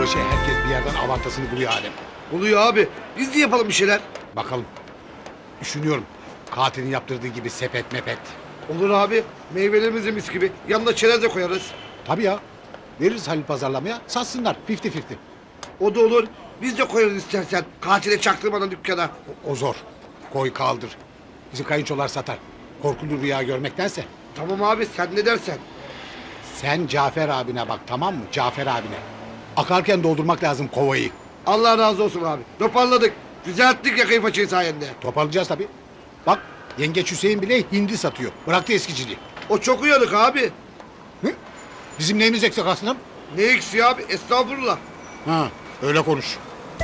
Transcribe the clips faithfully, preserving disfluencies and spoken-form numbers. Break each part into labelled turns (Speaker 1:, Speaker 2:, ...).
Speaker 1: Yılbaşı herkes bir yerden avantasını buluyor Adem.
Speaker 2: Oluyor abi. Biz de yapalım bir şeyler.
Speaker 1: Bakalım. Düşünüyorum. Katilin yaptırdığı gibi sepet mepet.
Speaker 2: Olur abi. Meyvelerimizi mis gibi. Yanına çerez de koyarız.
Speaker 1: Tabii ya. Veririz Halil pazarlamaya. Satsınlar. Fifty fifty.
Speaker 2: O da olur. Biz de koyarız istersen. Katile çaktırmadan dükkana.
Speaker 1: O, o zor. Koy kaldır. Bizim kayınçolar satar. Korkulu rüya görmektense.
Speaker 2: Tamam abi sen ne dersen.
Speaker 1: Sen Cafer abine bak, tamam mı? Cafer abine. Akarken doldurmak lazım kovayı.
Speaker 2: Allah razı olsun abi. Toparladık. Düzelttik yakayı paçayı sayende.
Speaker 1: Toparlayacağız tabii. Bak yengeç Hüseyin bile hindi satıyor. Bıraktı eskiciliği.
Speaker 2: O çok uyanık abi.
Speaker 1: Hı? Bizim neyimiz eksik aslında?
Speaker 2: Ne eksiği abi? Estağfurullah.
Speaker 1: Ha, öyle konuş.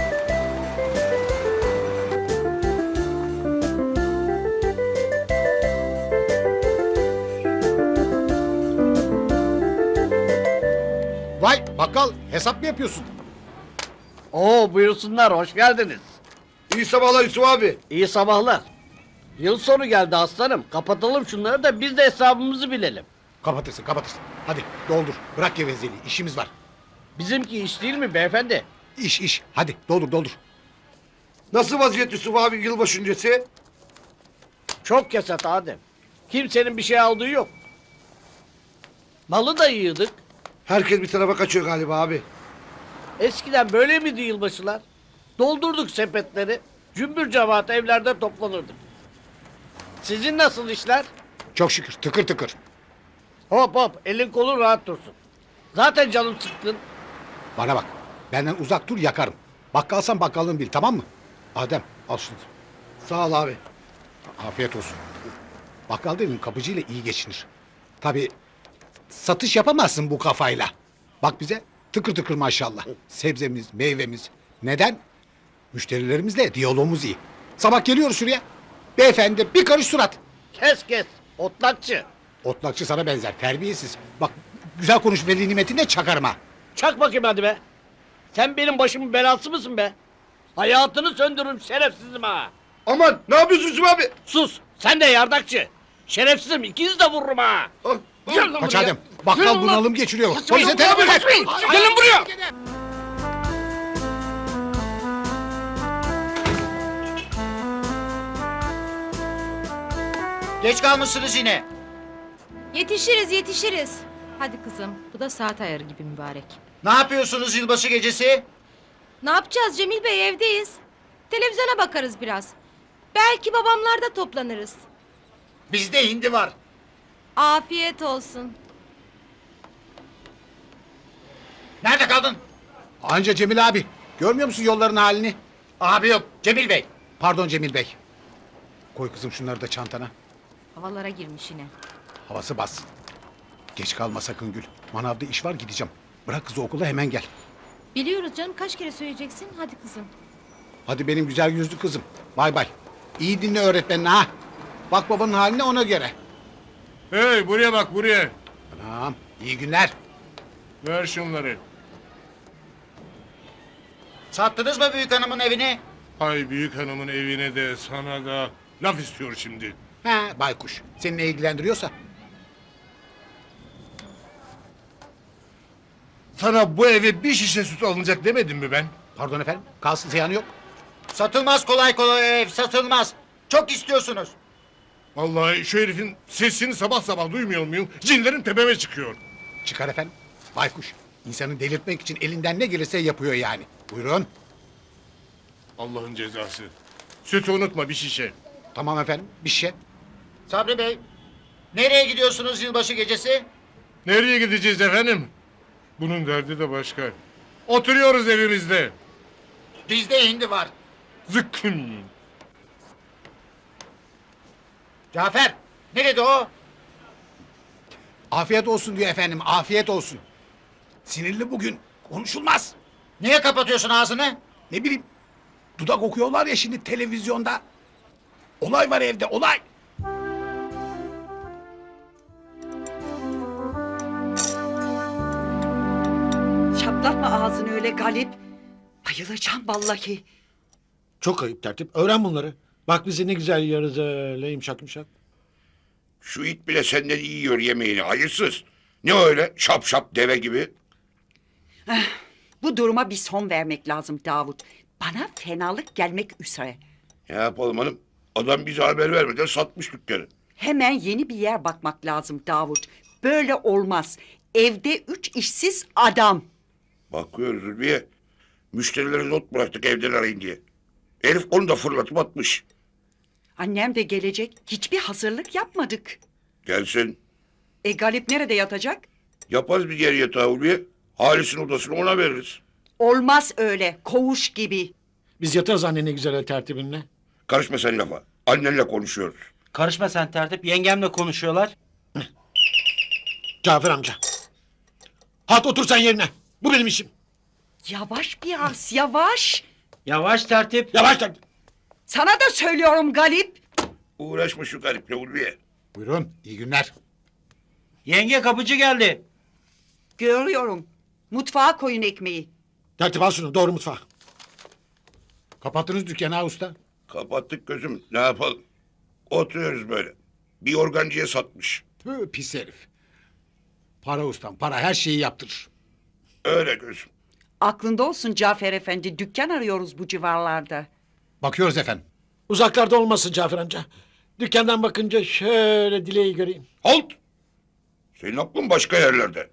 Speaker 1: Vay bakkal, hesap mı yapıyorsun?
Speaker 3: Oo buyursunlar, hoş geldiniz.
Speaker 2: İyi sabahlar Yusuf abi.
Speaker 3: İyi sabahlar. Yıl sonu geldi aslanım. Kapatalım şunları da biz de hesabımızı bilelim.
Speaker 1: Kapatırsın kapatırsın. Hadi doldur, bırak gevezeliği, işimiz var.
Speaker 3: Bizimki iş değil mi beyefendi?
Speaker 1: İş iş, hadi doldur doldur.
Speaker 2: Nasıl vaziyet Yusuf abi yılbaşı öncesi?
Speaker 3: Çok kesat Adem. Kimsenin bir şey aldığı yok. Malı da yığdık.
Speaker 2: Herkes bir tarafa kaçıyor galiba abi.
Speaker 3: Eskiden böyle miydi yılbaşılar? Doldurduk sepetleri. Cümbür cemaat evlerde toplanırdık. Sizin nasıl işler?
Speaker 1: Çok şükür, tıkır tıkır.
Speaker 3: Hop hop, elin kolun rahat dursun. Zaten canım sıkkın.
Speaker 1: Bana bak, benden uzak dur yakarım. Bakkalsan bakkallığını bil, tamam mı? Adem, al şunu.
Speaker 2: Sağ ol abi.
Speaker 1: Afiyet olsun. Bakkal dedim kapıcıyla iyi geçinir. Tabii satış yapamazsın bu kafayla. Bak bize tıkır tıkır maşallah. Sebzemiz, meyvemiz. Neden? Müşterilerimizle diyalogumuz iyi. Sabah geliyoruz şuraya. Beyefendi bir karış surat.
Speaker 3: Kes kes, otlakçı.
Speaker 1: Otlakçı sana benzer, terbiyesiz. Bak güzel konuş veli nimetine çakarım ha.
Speaker 3: Çak bakayım hadi be. Sen benim başımın belası mısın be? Hayatını söndürürüm şerefsizim ha.
Speaker 2: Aman ne yapıyorsun Yusuf abi?
Speaker 3: Sus, sen de yardakçı. Şerefsizim, ikinizi de vururum ha.
Speaker 2: Ah, ah.
Speaker 3: Gel lan
Speaker 1: Kaç
Speaker 3: buraya.
Speaker 1: Adem. Bakkal
Speaker 3: Yürü lan.
Speaker 1: bunalım geçiriyor.
Speaker 3: Kaç
Speaker 1: Polise
Speaker 3: lan,
Speaker 1: telefon et.
Speaker 3: kaçmayın. Gelin buraya.
Speaker 4: Geç kalmışsınız yine.
Speaker 5: Yetişiriz yetişiriz. Hadi kızım bu da saat ayarı gibi mübarek.
Speaker 4: Ne yapıyorsunuz yılbaşı gecesi?
Speaker 5: Ne yapacağız Cemil Bey evdeyiz. Televizyona bakarız biraz. Belki babamlarda toplanırız.
Speaker 4: Bizde hindi var.
Speaker 5: Afiyet olsun.
Speaker 4: Nerede kaldın?
Speaker 1: Anca Cemil abi. Görmüyor musun yolların halini?
Speaker 4: Abi yok, Cemil Bey.
Speaker 1: Pardon Cemil Bey. Koy kızım şunları da çantana.
Speaker 5: Havalara girmiş yine.
Speaker 1: Havası bas. Geç kalma sakın Gül. Manavda iş var gideceğim. Bırak kızı okula hemen gel.
Speaker 5: Biliyoruz canım kaç kere söyleyeceksin. Hadi kızım.
Speaker 1: Hadi benim güzel yüzlü kızım. Bay bay. İyi dinle öğretmenine ha. Bak babanın haline ona göre.
Speaker 6: Hey buraya bak buraya.
Speaker 1: Tamam. İyi günler.
Speaker 6: Ver şunları.
Speaker 4: Sattınız mı büyük hanımın evini?
Speaker 6: Hay büyük hanımın evine de sana da laf istiyor şimdi.
Speaker 1: Ha baykuş. Seni ne ilgilendiriyorsa.
Speaker 6: Sana bu eve bir şişe süt alınacak demedim mi ben?
Speaker 1: Pardon efendim. Kalsın ziyanı yok.
Speaker 4: Satılmaz kolay kolay ev, satılmaz. Çok istiyorsunuz.
Speaker 6: Vallahi şu herifin sesini sabah sabah duymuyor muyum? Cinlerim tepeme çıkıyor.
Speaker 1: Çıkar efendim. Baykuş. İnsanı delirtmek için elinden ne gelirse yapıyor yani. Buyurun.
Speaker 6: Allah'ın cezası. Sütü unutma bir şişe.
Speaker 1: Tamam efendim. Bir şey.
Speaker 4: Sabri Bey, nereye gidiyorsunuz yılbaşı gecesi?
Speaker 6: Nereye gideceğiz efendim? Bunun derdi de başka. Oturuyoruz evimizde.
Speaker 4: Bizde hindi var.
Speaker 6: Zıkkım yiyin.
Speaker 4: Cafer, nerede o?
Speaker 1: Afiyet olsun diyor efendim. Afiyet olsun. Sinirli bugün. Konuşulmaz.
Speaker 4: Niye kapatıyorsun ağzını?
Speaker 1: Ne bileyim. Dudak okuyorlar ya şimdi televizyonda. Olay var evde olay.
Speaker 7: Çatlatma ağzını öyle Galip. Bayılacağım vallahi.
Speaker 8: Çok ayıp tertip. Öğren bunları. Bak bizi ne güzel yiyoruz öyle yumuşak yumuşak.
Speaker 9: Şu it bile senden iyi yiyor yemeğini hayırsız. Ne öyle şap şap deve gibi?
Speaker 7: Bu duruma bir son vermek lazım Davut. Bana fenalık gelmek üzere.
Speaker 9: Ne yapalım hanım? Adam bize haber vermeden satmış dükkanı.
Speaker 7: Hemen yeni bir yer bakmak lazım Davut. Böyle olmaz. Evde üç işsiz adam.
Speaker 9: Bakıyoruz Zülfiye. Müşterilere not bıraktık evden arayın diye. Herif onu da fırlatıp atmış.
Speaker 7: Annem de gelecek. Hiçbir hazırlık yapmadık.
Speaker 9: Gelsin.
Speaker 7: E Galip nerede yatacak?
Speaker 9: Yaparız bir yer yatağı Ulviye. Halis'in odasını ona veririz.
Speaker 7: Olmaz öyle. Koğuş gibi.
Speaker 8: Biz yatarız anne ne güzel el tertibinle.
Speaker 9: Karışma sen lafa. Annenle konuşuyoruz.
Speaker 3: Karışma sen tertip. Yengemle konuşuyorlar.
Speaker 8: Cafer amca. Hat otur sen yerine. Bu benim işim.
Speaker 7: Yavaş biraz, yavaş.
Speaker 3: Yavaş tertip.
Speaker 8: Yavaş tertip.
Speaker 7: Sana da söylüyorum Galip.
Speaker 9: Uğraşma şu gariple Ulviye.
Speaker 1: Buyurun iyi günler.
Speaker 3: Yenge kapıcı geldi.
Speaker 7: Görüyorum. Mutfağa koyun ekmeği.
Speaker 8: Tertip al şunu doğru mutfağa.
Speaker 1: Kapattınız dükkanı ha usta.
Speaker 9: Kapattık gözüm. Ne yapalım? Oturuyoruz böyle. Bir organcıya satmış.
Speaker 1: Tüh, pis herif. Para ustam para her şeyi yaptırır.
Speaker 9: Öyle gözüm.
Speaker 7: Aklında olsun Cafer Efendi. Dükkan arıyoruz bu civarlarda.
Speaker 1: Bakıyoruz efendim.
Speaker 8: Uzaklarda olmasın Cafer amca. Dükkandan bakınca şöyle dileği göreyim.
Speaker 9: Halt! Senin aklın başka yerlerde.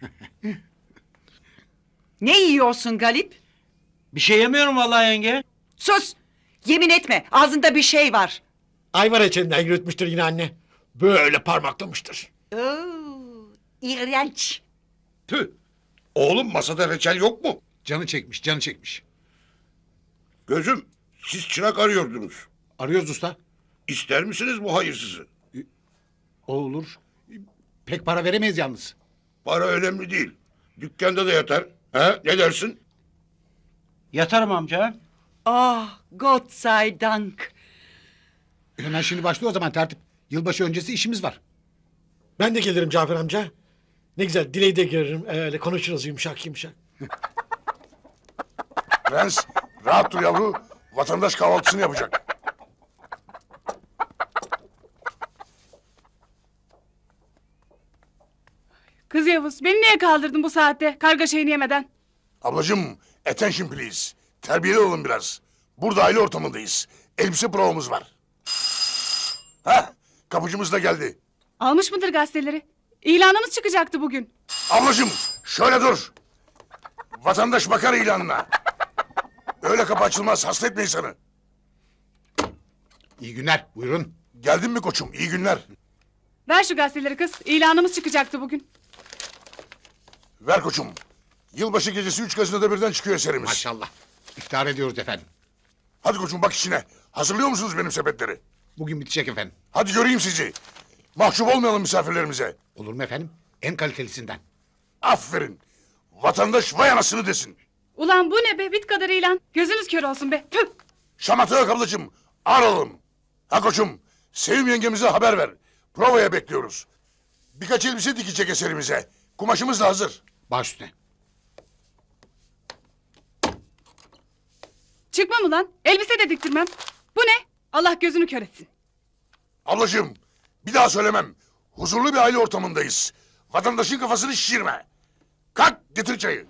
Speaker 7: Ne yiyorsun Galip?
Speaker 3: Bir şey yemiyorum vallahi yenge.
Speaker 7: Sus! Yemin etme. Ağzında bir şey var.
Speaker 8: Ayvar reçelinden yürütmüştür yine anne. Böyle parmaklamıştır.
Speaker 7: Oo, iğrenç.
Speaker 9: Tüh! Oğlum masada reçel yok mu?
Speaker 1: Canı çekmiş canı çekmiş.
Speaker 9: Gözüm, siz çırak arıyordunuz.
Speaker 1: Arıyoruz usta.
Speaker 9: İster misiniz bu hayırsızı?
Speaker 1: O olur. Pek para veremeyiz yalnız.
Speaker 9: Para önemli değil. Dükkanda da yatar. He, ne dersin?
Speaker 3: Yatarım amca.
Speaker 7: Ah, Gott sei Dank.
Speaker 1: Hemen şimdi başlıyor o zaman tertip. Yılbaşı öncesi işimiz var.
Speaker 8: Ben de gelirim Cafer amca. Ne güzel dileği de görürüm. Öyle konuşuruz yumuşak yumuşak.
Speaker 9: Prens, rahat dur yavru. Vatandaş kahvaltısını yapacak.
Speaker 10: Kız Yavuz, beni niye kaldırdın bu saatte karga şeyini yemeden?
Speaker 11: Ablacığım, attention please. Terbiyeli olun biraz. Burada aile ortamındayız. Elbise provamız var. Hah, kapıcımız da geldi.
Speaker 10: Almış mıdır gazeteleri? İlanımız çıkacaktı bugün.
Speaker 11: Ablacığım, şöyle dur. Vatandaş bakar ilanına. Öyle kapı açılmaz, hasta etme insanı.
Speaker 1: İyi günler buyurun.
Speaker 11: Geldin mi koçum, iyi günler.
Speaker 10: Ver şu gazeteleri kız, ilanımız çıkacaktı bugün.
Speaker 11: Ver koçum. Yılbaşı gecesi üç gazinoda birden çıkıyor eserimiz.
Speaker 1: Maşallah. İftar ediyoruz efendim.
Speaker 11: Hadi koçum bak işine. Hazırlıyor musunuz benim sepetleri?
Speaker 1: Bugün bitecek efendim.
Speaker 11: Hadi göreyim sizi. Mahcup olmayalım misafirlerimize.
Speaker 1: Olur mu efendim? En kalitelisinden.
Speaker 11: Aferin. Vatandaş vay anasını desin.
Speaker 10: Ulan bu ne be, bit kadar ilan. Gözünüz kör olsun be. Püh!
Speaker 11: Şamata yok ablacığım. Aralım. Ha koçum. Sevim yengemize haber ver. Provaya bekliyoruz. Birkaç elbise dikecek eserimize. Kumaşımız da hazır.
Speaker 1: Baş üstüne.
Speaker 10: Çıkmam ulan, elbise de diktirmem. Bu ne? Allah gözünü kör etsin.
Speaker 11: Ablacığım bir daha söylemem. Huzurlu bir aile ortamındayız. Vatandaşın kafasını şişirme. Kalk getir çayı.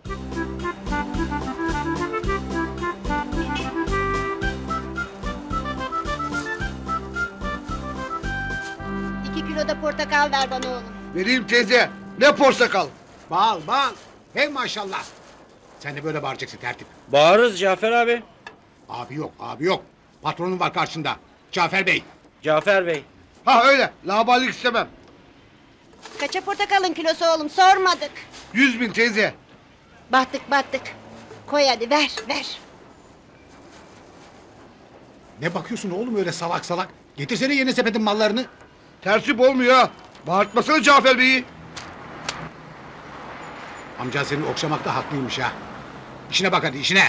Speaker 5: İki kilo da portakal ver bana oğlum.
Speaker 2: Vereyim teyze. Ne portakal.
Speaker 1: Bal bal. Hey maşallah. Sen de böyle bağıracaksın tertip.
Speaker 3: Bağırırız Cafer abi.
Speaker 1: Abi yok abi yok. Patronun var karşında. Cafer Bey.
Speaker 3: Cafer Bey.
Speaker 2: Ha öyle. Laballik istemem.
Speaker 5: Kaça portakalın kilosu oğlum sormadık.
Speaker 2: Yüz bin teyze.
Speaker 5: Battık battık. Koy hadi ver ver.
Speaker 1: Ne bakıyorsun oğlum öyle salak salak? Getirsene yeni sepetin mallarını.
Speaker 2: Tertip olmuyor ha. Bağırtmasana Cafer Bey'i.
Speaker 1: Amca seni okşamakta haklıymış ha. İşine bak hadi işine.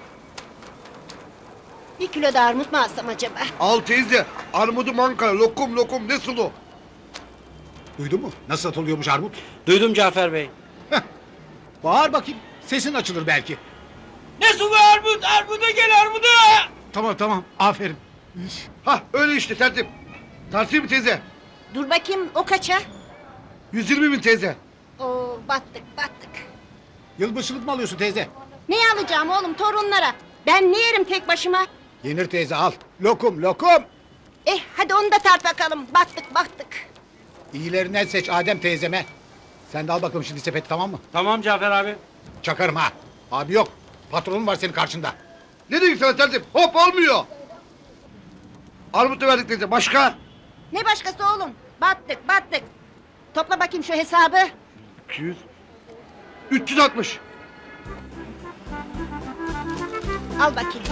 Speaker 5: Bir kilo da armut mu alsam acaba?
Speaker 2: Al teyze. Armudu Ankara. Lokum lokum ne sulu.
Speaker 1: Duydun mu? Nasıl satılıyormuş armut?
Speaker 3: Duydum Cafer Bey.
Speaker 1: Bağır bakayım. Sesin açılır belki.
Speaker 3: Ne sulu armut? Armuda gel armuda!
Speaker 1: Tamam tamam. Aferin.
Speaker 2: Ha öyle işte tertip. Tertip mi teyze?
Speaker 5: Dur bakayım o kaça?
Speaker 2: Yüz yirmi bin teyze.
Speaker 5: Oo battık battık.
Speaker 1: Yılbaşılık mı alıyorsun teyze?
Speaker 5: Ne alacağım oğlum torunlara? Ben ne yerim tek başıma?
Speaker 1: Yenir teyze al. Lokum lokum.
Speaker 5: Eh hadi onu da tart bakalım. Battık battık.
Speaker 1: İyilerinden seç Adem teyzeme. Sen de al bakalım şimdi sepeti tamam mı?
Speaker 3: Tamam Cafer abi.
Speaker 1: Çakarım ha. Abi yok. Patronun var senin karşında.
Speaker 2: Ne diyorsun sen tertip? Hop olmuyor. Armut da verdik teyze. Başka?
Speaker 5: Ne başkası oğlum? Battık battık. Topla bakayım şu hesabı.
Speaker 2: iki yüz. üç yüz altmış.
Speaker 5: Al bakayım.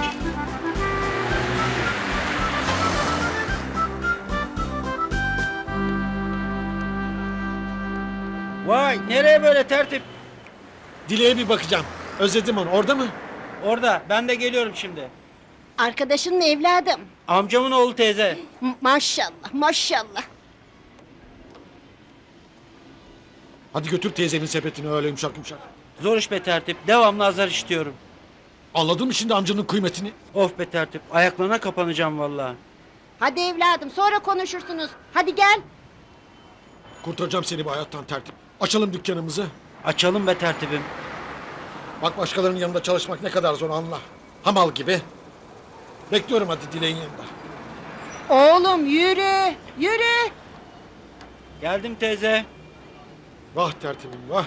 Speaker 3: Vay nereye böyle tertip?
Speaker 8: Dileğe bir bakacağım. Özledim onu. Orada mı?
Speaker 3: Orada ben de geliyorum şimdi.
Speaker 5: Arkadaşın mı evladım?
Speaker 3: Amcamın oğlu teyze.
Speaker 5: M- maşallah maşallah.
Speaker 8: Hadi götür teyzenin sepetini öyle yumuşak yumuşak.
Speaker 3: Zor iş be tertip. Devamlı azar işitiyorum.
Speaker 8: Anladın mı şimdi amcanın kıymetini?
Speaker 3: Of be tertip. Ayaklarına kapanacağım vallahi.
Speaker 5: Hadi evladım sonra konuşursunuz. Hadi gel.
Speaker 8: Kurtaracağım seni bu hayattan tertip. Açalım dükkanımızı.
Speaker 3: Açalım be tertibim.
Speaker 8: Bak başkalarının yanında çalışmak ne kadar zor anla. Hamal gibi. Bekliyorum hadi Dileğin yanında.
Speaker 5: Oğlum yürü yürü.
Speaker 3: Geldim teyze.
Speaker 8: Vah tertibim vah.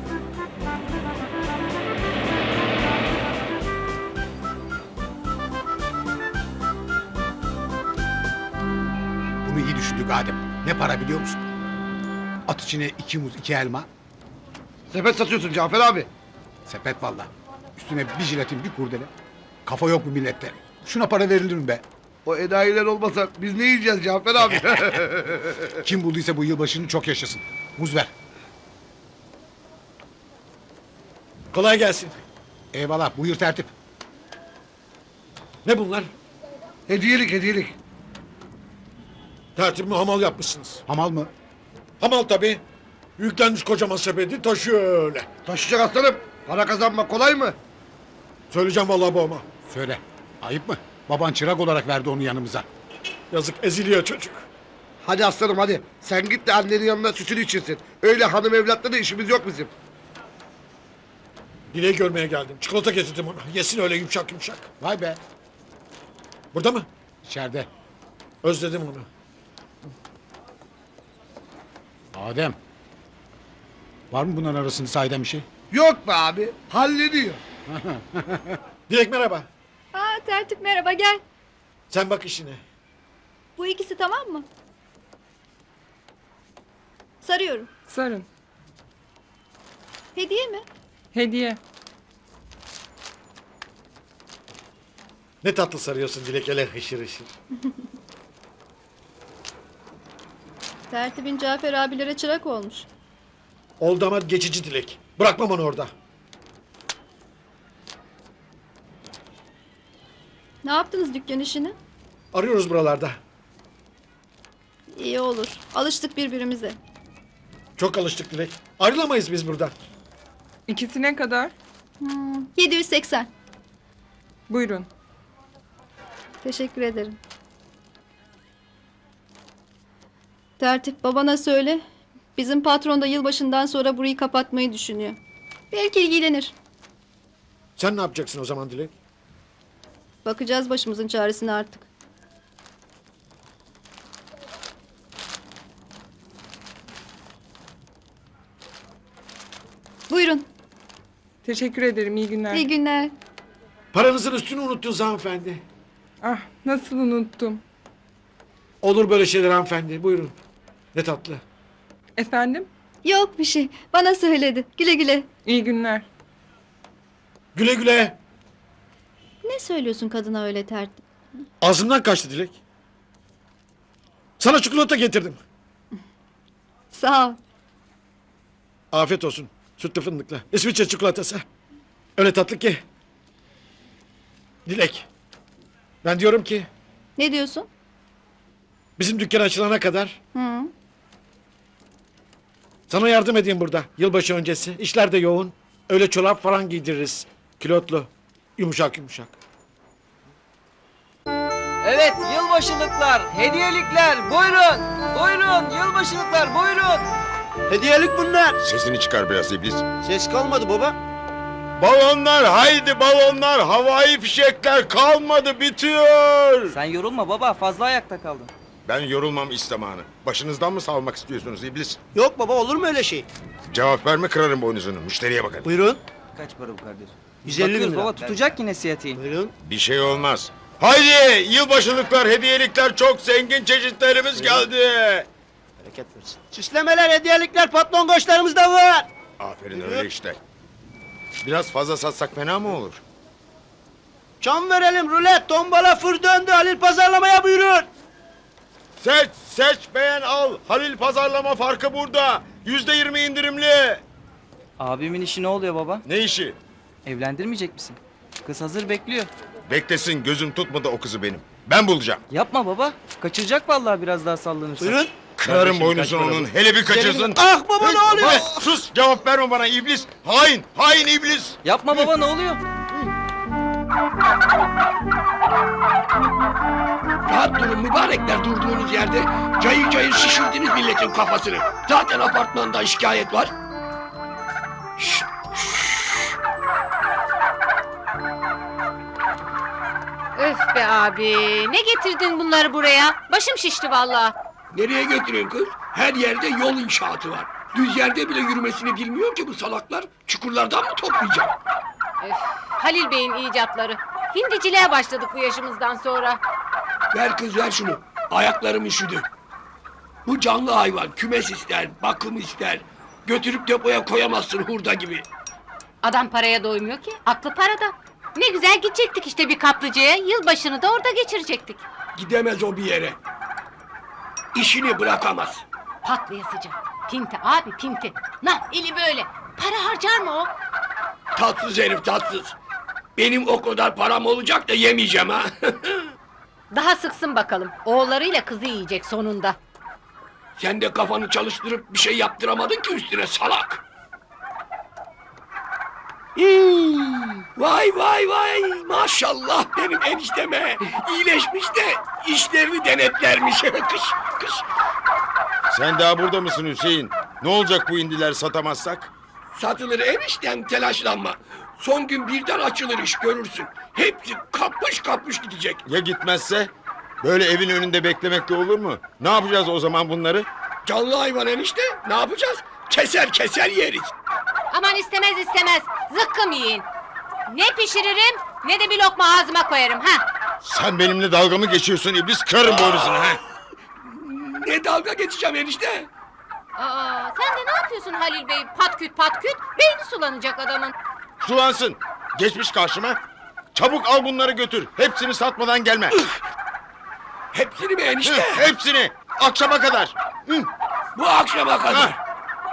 Speaker 1: Bunu iyi düşündük Adem. Ne para biliyor musun? At içine iki muz iki elma.
Speaker 2: Sepet satıyorsun Cafer abi.
Speaker 1: Sepet valla. Üstüne bir jiletin bir kurdele. Kafa yok bu millette. Şuna para verilir mi be?
Speaker 2: O enayiler olmasa biz ne yiyeceğiz Cafer abi?
Speaker 1: Kim bulduysa bu yılbaşını çok yaşasın. Muz ver.
Speaker 8: Kolay gelsin.
Speaker 1: Eyvallah buyur tertip.
Speaker 8: Ne bunlar?
Speaker 2: hediyelik hediyelik.
Speaker 8: Tertibimi hamal yapmışsınız.
Speaker 1: Hamal mı?
Speaker 8: Hamal tabii. Yüklenmiş kocaman sepeti taşıyor öyle.
Speaker 2: Taşıyacak aslanım. Para kazanmak kolay mı?
Speaker 8: Söyleyeceğim vallahi babama.
Speaker 1: Söyle. Ayıp mı? Baban çırak olarak verdi onu yanımıza.
Speaker 8: Yazık eziliyor çocuk.
Speaker 2: Hadi aslanım hadi. Sen git de annenin yanına sütünü içirsin. Öyle hanım evlatla da işimiz yok bizim.
Speaker 8: Dileği görmeye geldim. Çikolata getirdim ona. Yesin öyle yumuşak yumuşak.
Speaker 1: Vay be.
Speaker 8: Burada mı?
Speaker 1: İçeride.
Speaker 8: Özledim onu.
Speaker 1: Adem. Var mı bunların arasında sahiden bir şey?
Speaker 2: Yok be abi. Hallediyor.
Speaker 8: Dilek merhaba.
Speaker 10: Aa tertip merhaba gel.
Speaker 8: Sen bak işine.
Speaker 10: Bu ikisi tamam mı? Sarıyorum.
Speaker 12: Sarın.
Speaker 10: Hediye mi?
Speaker 12: Hediye.
Speaker 8: Ne tatlı sarıyorsun Dilek hele hışır hışır.
Speaker 10: Tertibin Cafer abilere çırak olmuş.
Speaker 8: Oldu ama geçici Dilek. Bırakmam onu orada.
Speaker 10: Ne yaptınız dükkan işini?
Speaker 8: Arıyoruz buralarda.
Speaker 10: İyi olur. Alıştık birbirimize.
Speaker 8: Çok alıştık Dilek. Ayrılamayız biz buradan.
Speaker 12: İkisi ne kadar?
Speaker 10: Hmm, yedi yüz seksen.
Speaker 12: Buyurun.
Speaker 10: Teşekkür ederim. Tertip babana söyle. Bizim patron da yılbaşından sonra burayı kapatmayı düşünüyor. Belki ilgilenir.
Speaker 8: Sen ne yapacaksın o zaman Dilek?
Speaker 10: Bakacağız başımızın çaresine artık. Buyurun.
Speaker 12: Teşekkür ederim. İyi günler.
Speaker 10: İyi günler.
Speaker 8: Paranızın üstünü unuttunuz hanımefendi.
Speaker 12: Ah nasıl unuttum.
Speaker 8: Olur böyle şeyler hanımefendi. Buyurun. Ne tatlı.
Speaker 12: Efendim?
Speaker 10: Yok bir şey. Bana söyledi. Güle güle.
Speaker 12: İyi günler.
Speaker 8: Güle güle.
Speaker 10: Ne söylüyorsun kadına öyle tertip?
Speaker 8: Ağzımdan kaçtı Dilek. Sana çikolata getirdim.
Speaker 10: Sağ ol.
Speaker 8: Afiyet olsun. Sütlü fındıklı. İsviçre çikolatası. Öyle tatlı ki. Dilek. Ben diyorum ki
Speaker 10: Ne diyorsun?
Speaker 8: bizim dükkan açılana kadar
Speaker 10: Hı.
Speaker 8: sana yardım edeyim burada. Yılbaşı öncesi. İşler de yoğun. Öyle çorap falan giydiririz. Kilotlu. Yumuşak yumuşak.
Speaker 3: Evet yılbaşılıklar, hediyelikler buyurun. Buyurun yılbaşılıklar buyurun. Hediyelik bunlar.
Speaker 9: Sesini çıkar biraz iblis.
Speaker 3: Ses kalmadı baba.
Speaker 6: Balonlar haydi balonlar, havai fişekler kalmadı, bitiyor.
Speaker 3: Sen yorulma baba, fazla ayakta kaldın.
Speaker 6: Ben yorulmam istemanı. Başınızdan mı salmak istiyorsunuz iblis?
Speaker 3: Yok baba, olur mu öyle şey?
Speaker 6: Cevap verme, kırarım boynuzunu. Müşteriye bakın.
Speaker 3: Buyurun. Kaç para bu kardeş? yüz elli bin lira. Baba tutacak yine siyatiği.
Speaker 4: Buyurun.
Speaker 6: Bir şey olmaz. Haydi yılbaşılıklar, hediyelikler, çok zengin çeşitlerimiz geldi.
Speaker 4: Bereket versin.
Speaker 3: Süslemeler, hediyelikler, patron koçlarımız da var.
Speaker 6: Aferin, öyle işte. Biraz fazla satsak fena mı olur?
Speaker 3: Çam verelim, rulet, tombala, fır döndü. Halil pazarlamaya buyurun.
Speaker 6: Seç, seç, beğen, al. Halil pazarlama farkı burada. Yüzde yirmi indirimli.
Speaker 3: Abimin işi ne oluyor baba?
Speaker 6: Ne işi?
Speaker 3: Evlendirmeyecek misin? Kız hazır bekliyor.
Speaker 6: Beklesin, gözüm tutmadı o kızı benim. Ben bulacağım.
Speaker 3: Yapma baba. Kaçıracak vallahi biraz daha sallanırsa. Buyurun.
Speaker 6: Kırarım boynuzunu onun. Hele bir kaçırsın.
Speaker 3: Ah baba, ne oluyor?
Speaker 6: Hey, sus, cevap verme bana iblis. Hain, hain iblis.
Speaker 3: Yapma baba, ne oluyor?
Speaker 2: Rahat durun mübarekler durduğunuz yerde. Cayır cayır şişirdiniz milletin kafasını. Zaten apartmanda şikayet var. Şşt,
Speaker 5: Öf be abi. Ne getirdin bunları buraya? Başım şişti vallahi.
Speaker 2: nereye götürüyorsun kız? Her yerde yol inşaatı var. Düz yerde bile yürümesini bilmiyor ki bu salaklar. Çukurlardan mı toplayacak?
Speaker 5: Öf, Halil Bey'in icatları. Hindiciliğe başladık bu yaşımızdan sonra.
Speaker 2: Ver kız ver şunu. Ayaklarım üşüdü. Bu canlı hayvan kümes ister, bakım ister. Götürüp depoya koyamazsın hurda gibi.
Speaker 5: Adam paraya doymuyor ki. Aklı parada. Ne güzel gidecektik işte bir kaplıcaya. Yılbaşını da orada geçirecektik.
Speaker 2: Gidemez o bir yere. İşini bırakamaz.
Speaker 5: Patlayasıca. Pinti abi pinti. Nah eli böyle. Para harcar mı o?
Speaker 2: Tatsız herif tatsız. Benim o kadar param olacak da yemeyeceğim ha.
Speaker 5: Daha sıksın bakalım. Oğullarıyla kızı yiyecek sonunda.
Speaker 2: Sen de kafanı çalıştırıp bir şey yaptıramadın ki üstüne salak. Hmm, vay vay vay maşallah benim enişteme. İyileşmiş de işlerini denetlermiş. kış kış.
Speaker 6: Sen daha burada mısın Hüseyin? Ne olacak bu indiler satamazsak?
Speaker 2: Satılır eniştem telaşlanma. Son gün birden açılır iş görürsün. Hepsi kapış kapış gidecek.
Speaker 6: Ya gitmezse? Böyle evin önünde beklemekle olur mu? Ne yapacağız o zaman bunları?
Speaker 2: Canlı hayvan enişte ne yapacağız? Keser keser yeriz.
Speaker 5: Aman istemez istemez. Zıkkım yiyin. Ne pişiririm ne de bir lokma ağzıma koyarım ha.
Speaker 6: Sen benimle dalga mı geçiyorsun iblis? Kırarım boynuzunu ha.
Speaker 2: Ne dalga geçeceğim enişte?
Speaker 5: Aa, sen de ne yapıyorsun Halil Bey? Patküt patküt. Beyni sulanacak adamın.
Speaker 6: Sulansın. Geçmiş karşıma. Çabuk al bunları götür. Hepsini satmadan gelme.
Speaker 2: Hepsini mi
Speaker 6: Hı,
Speaker 2: enişte?
Speaker 6: hepsini. Akşama kadar. Hı.
Speaker 2: Bu akşama kadar.
Speaker 6: Ha.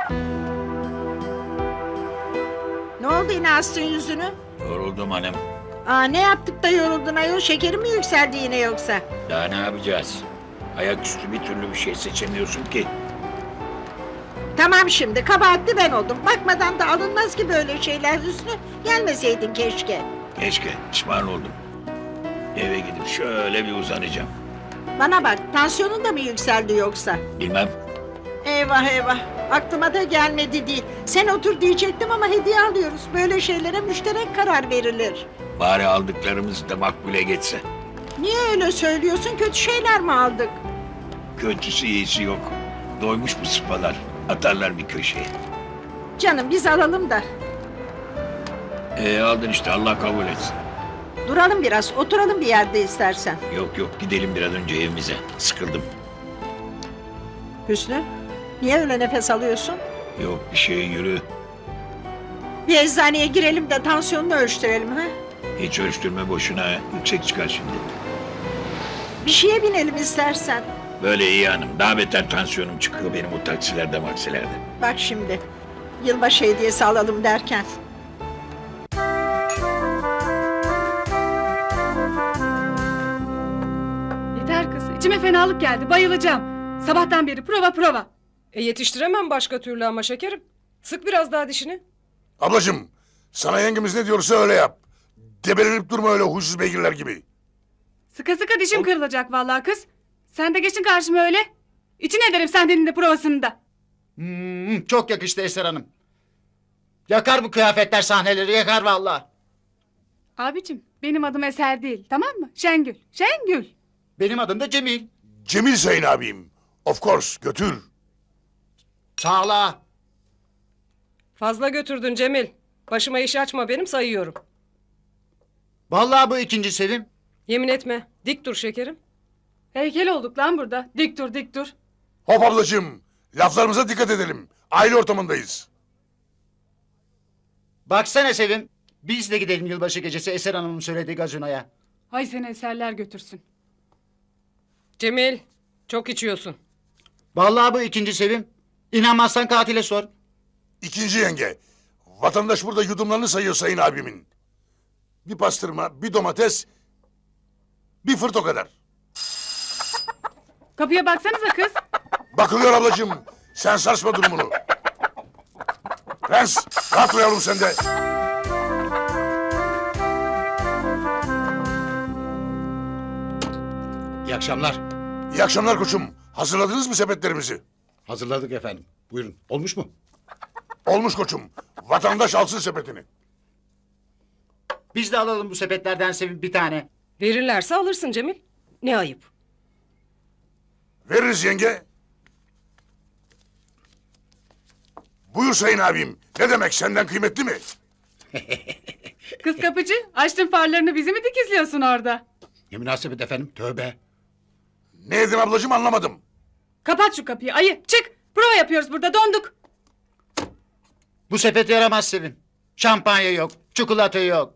Speaker 13: Ne oldu yine astın yüzünü?
Speaker 4: Yoruldum hanım.
Speaker 13: Aa, ne yaptık da yoruldun ayol? Şekerin mi yükseldi yine yoksa?
Speaker 4: Daha ne yapacağız? Ayaküstü bir türlü bir şey seçemiyorsun ki.
Speaker 13: Tamam şimdi kabahatli ben oldum. Bakmadan da alınmaz ki böyle şeyler Hüsnü. Gelmeseydin keşke.
Speaker 4: Keşke pişman oldum. Eve gidip şöyle bir uzanacağım.
Speaker 13: Bana bak tansiyonun da mı yükseldi yoksa?
Speaker 4: Bilmem.
Speaker 13: Eyvah eyvah. Aklıma da gelmedi değil. Sen otur diyecektim ama hediye alıyoruz. Böyle şeylere müşterek karar verilir.
Speaker 4: Bari aldıklarımız da makbule geçse.
Speaker 13: Niye öyle söylüyorsun? Kötü şeyler mi aldık?
Speaker 4: Kötüsü iyisi yok. Doymuş bu sıpalar. Atarlar bir köşeye.
Speaker 13: Canım biz alalım da.
Speaker 4: Ee, aldın işte Allah kabul etsin.
Speaker 13: Duralım biraz. Oturalım bir yerde istersen.
Speaker 4: Yok yok gidelim bir an önce evimize. Sıkıldım.
Speaker 13: Hüsnü, niye öyle nefes alıyorsun?
Speaker 4: Yok bir şey yürü.
Speaker 13: Bir eczaneye girelim de tansiyonunu ölçtürelim ha?
Speaker 4: Hiç ölçtürme boşuna. Yüksek çıkar şimdi.
Speaker 13: Bir şeye binelim istersen.
Speaker 4: Böyle iyi hanım. Daha beter tansiyonum çıkıyor benim o taksilerde maksilerde.
Speaker 13: Bak şimdi, yılbaşı hediyesi alalım derken.
Speaker 12: Yeter kız. İçime fenalık geldi. Bayılacağım. Sabahtan beri prova prova. E yetiştiremem başka türlü ama şekerim. Sık biraz daha dişini.
Speaker 11: Ablacığım, sana yengemiz ne diyorsa öyle yap. Debelenip durma öyle huysuz beygirler gibi.
Speaker 12: Sıka sıka dişim kırılacak vallahi kız. Sen de geçin karşıma öyle. İçin ederim sen de provasını da.
Speaker 4: Hmm, çok yakıştı Eser Hanım.
Speaker 8: Yakar bu kıyafetler sahneleri, yakar vallahi.
Speaker 12: Abicim benim adım Eser değil tamam mı? Şengül. Şengül.
Speaker 8: Benim adım da Cemil.
Speaker 11: Cemil Sayın abim. Of course götür.
Speaker 8: Sağla.
Speaker 12: Fazla götürdün Cemil. Başıma iş açma benim sayıyorum.
Speaker 8: Vallahi bu ikinci Sevim.
Speaker 12: Yemin etme. Dik dur şekerim. Heykel olduk lan burada. Dik dur dik dur.
Speaker 11: Hop ablacığım. Laflarımıza dikkat edelim. Aile ortamındayız.
Speaker 8: Baksana Sevim. Biz de gidelim yılbaşı gecesi Eser Hanım'ın söylediği gazinoya.
Speaker 12: Hay seni eserler götürsün. Cemil çok içiyorsun.
Speaker 8: Vallahi bu ikinci Sevim. İnanmazsan katile sor.
Speaker 11: İkinci yenge. Vatandaş burada yudumlarını sayıyor sayın abimin. Bir pastırma, bir domates, bir fırt o kadar.
Speaker 12: Kapıya baksanıza kız.
Speaker 11: Bakılıyor ablacığım. Sen sarsma durumunu. Prens, rahat dur yavrum sen de.
Speaker 1: İyi akşamlar.
Speaker 11: İyi akşamlar koçum. Hazırladınız mı sepetlerimizi?
Speaker 1: Hazırladık efendim. Buyurun. Olmuş mu?
Speaker 11: Olmuş koçum. Vatandaş alsın sepetini.
Speaker 8: Biz de alalım bu sepetlerden Sevim bir tane.
Speaker 12: Verirlerse alırsın Cemil. Ne ayıp.
Speaker 11: Veririz yenge. Buyur sayın abim. Ne demek senden kıymetli mi?
Speaker 12: Kız kapıcı açtın farlarını bizi mi dikizliyorsun orada?
Speaker 1: Ne münasebet efendim. Tövbe.
Speaker 11: Ne dedim ablacığım anlamadım.
Speaker 12: Kapat şu kapıyı ayı çık. Prova yapıyoruz burada donduk.
Speaker 8: Bu sepet yaramaz Sevim. Şampanya yok, çikolata yok.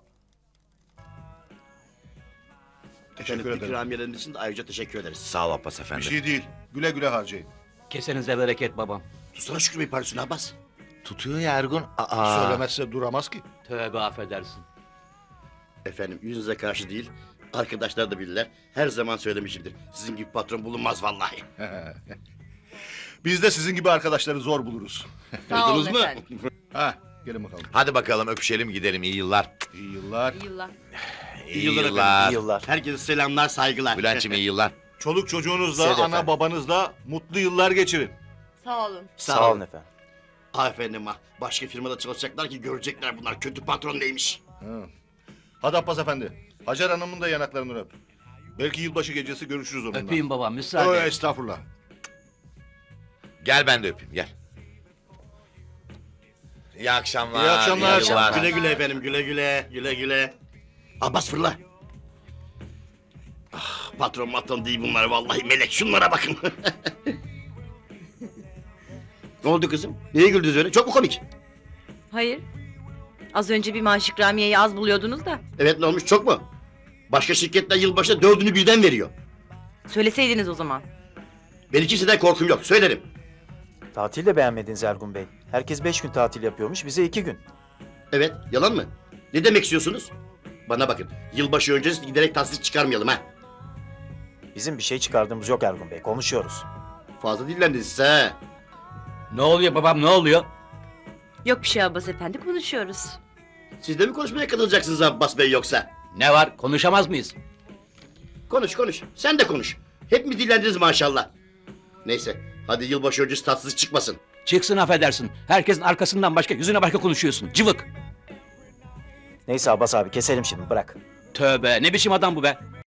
Speaker 3: Teşekkür ederim. İkramiyeleriniz için de ayrıca teşekkür ederiz.
Speaker 6: Sağ ol Abbas efendi. Bir şey değil. Güle güle harcayın.
Speaker 3: Kesenize bereket babam.
Speaker 2: Tutsana Şükrü Bey parasını Abbas.
Speaker 6: Tutuyor ya Ergun. Aa.
Speaker 1: Söylemezse duramaz ki.
Speaker 3: Tövbe affedersin.
Speaker 2: Efendim yüzünüze karşı değil. Arkadaşlar da bilirler. Her zaman söylemişimdir. Sizin gibi patron bulunmaz vallahi.
Speaker 6: Biz de sizin gibi arkadaşları zor buluruz.
Speaker 2: Duydunuz mu?
Speaker 6: Ha, gelin bakalım.
Speaker 4: Hadi bakalım öpüşelim gidelim iyi yıllar.
Speaker 6: İyi yıllar.
Speaker 5: Yıllar.
Speaker 4: İyi,
Speaker 2: yıllar efendim, iyi yıllar. Herkese selamlar, saygılar.
Speaker 4: Bülent'ciğim iyi yıllar.
Speaker 6: Çoluk çocuğunuzla,
Speaker 2: Size de
Speaker 6: ana
Speaker 2: efendim.
Speaker 6: babanızla mutlu yıllar geçirin.
Speaker 5: Sağ olun.
Speaker 2: Sağ, olun efendim. Ah efendim ah. Başka firmada çalışacaklar ki görecekler bunlar. Kötü patron neymiş.
Speaker 6: Hadi Abbas efendi. Hacer Hanım'ın da yanaklarını öp. Belki yılbaşı gecesi görüşürüz onunla.
Speaker 3: Öpeyim babam müsaade.
Speaker 6: Ö, estağfurullah.
Speaker 4: Gel ben de öpeyim gel. İyi akşamlar.
Speaker 6: İyi akşamlar.
Speaker 4: iyi yıllar.
Speaker 2: Güle güle efendim, güle güle, güle güle. Abbas fırla. Ah, patron matron değil bunlar vallahi melek. Şunlara bakın. Ne oldu kızım? Niye güldünüz öyle? Çok mu komik?
Speaker 5: Hayır. Az önce bir maaş ikramiyeyi az buluyordunuz da.
Speaker 2: Evet ne olmuş çok mu? Başka şirketler yılbaşında dördünü birden veriyor.
Speaker 5: Söyleseydiniz o zaman.
Speaker 2: Benim kimseden korkum yok, söylerim.
Speaker 14: Tatil de beğenmediniz Ergun Bey. Herkes beş gün tatil yapıyormuş, bize iki gün.
Speaker 2: Evet, yalan mı? Ne demek istiyorsunuz? Bana bakın, yılbaşı öncesi giderek tatsız çıkarmayalım ha.
Speaker 14: Bizim bir şey çıkardığımız yok Ergun Bey, konuşuyoruz.
Speaker 2: Fazla dillendiniz siz ha.
Speaker 3: Ne oluyor babam ne oluyor?
Speaker 5: Yok bir şey Abbas efendi konuşuyoruz.
Speaker 2: Siz de mi konuşmaya katılacaksınız Abbas Bey yoksa?
Speaker 3: Ne var konuşamaz mıyız?
Speaker 2: Konuş konuş, sen de konuş. Hep mi dillendiniz maşallah? Neyse, hadi yılbaşı öncesi tatsız çıkmasın.
Speaker 3: Çıksın affedersin. Herkesin arkasından başka yüzüne başka konuşuyorsun. Cıvık.
Speaker 14: Neyse Abbas abi keselim şimdi bırak.
Speaker 3: Tövbe ne biçim adam bu be?